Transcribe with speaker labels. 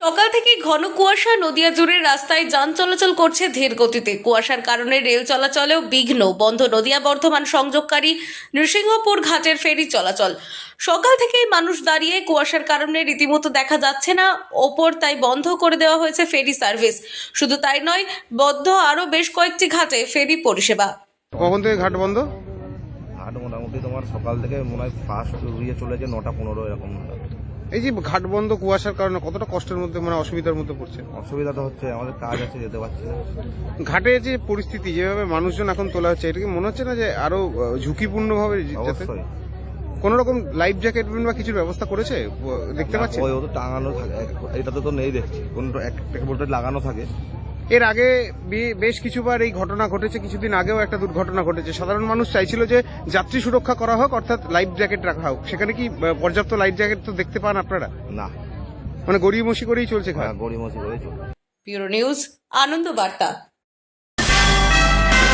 Speaker 1: সকাল থেকে ঘন কুয়াশা, নদিয়া জুড়ে রাস্তায় যান চলাচল করছে ধীর গতিতে। কুয়াশার কারণে রেল চলাচলেও বিঘ্ন, বন্ধ নদিয়া বর্ধমান সংযোগকারী নৃসিংহপুর ঘাটের ফেরি চলাচল। সকাল থেকেই মানুষ দাঁড়িয়ে, কুয়াশার কারণে রীতিমতো দেখা যাচ্ছে না ওপর, তাই বন্ধ করে দেওয়া হয়েছে ফেরি সার্ভিস। শুধু তাই নয়, বদ্ধ আরও বেশ কয়েকটি ঘাটে ফেরি পরিষেবা।
Speaker 2: কখন থেকে ঘাট বন্ধ?
Speaker 3: ঘাট মোটামুটি তোমার সকাল থেকে মনে হয় ফার্স্ট উড়িয়ে চলেছে 9টা 15 এরকম।
Speaker 2: এই যে ঘাট বন্ধ কুয়াশার কারণে কতটা কষ্টের মধ্যে, মানে অসুবিধার মধ্যে পড়ছে?
Speaker 3: অসুবিধা তো হচ্ছে, আমাদের কাজ আছে, যেতে পারছি না।
Speaker 2: ঘাটে যে পরিস্থিতি, যেভাবে মানুষজন এখন তোলা হচ্ছে, এটা কি মনে হচ্ছে না যে আরো ঝুঁকিপূর্ণ ভাবে?
Speaker 3: অবশ্যই।
Speaker 2: কোন রকম লাইফ জ্যাকেট বা কিছুর ব্যবস্থা করেছে দেখতে পাচ্ছি?
Speaker 3: ওই তো টাঙানো থাকে, এটাতে তো নেই দেখছি, কোন একটা বোর্ডে লাগানো থাকে।
Speaker 2: এর আগে বেশ কিছুবার এই ঘটনা ঘটেছে, কিছুদিন আগেও একটা দুর্ঘটনা ঘটেছে। সাধারণ মানুষ চাইছিল যে যাত্রী সুরক্ষা করা হোক, অর্থাৎ লাইফ জ্যাকেট রাখা হোক। সেখানে কি পর্যাপ্ত লাইফ জ্যাকেট তো দেখতে পান আপনারা?
Speaker 3: না,
Speaker 2: মানে গড়িমসি করেই চলছে ঘাট।
Speaker 3: গড়িমসি করে চলে।
Speaker 1: ব্যুরো নিউজ, আনন্দ বার্তা।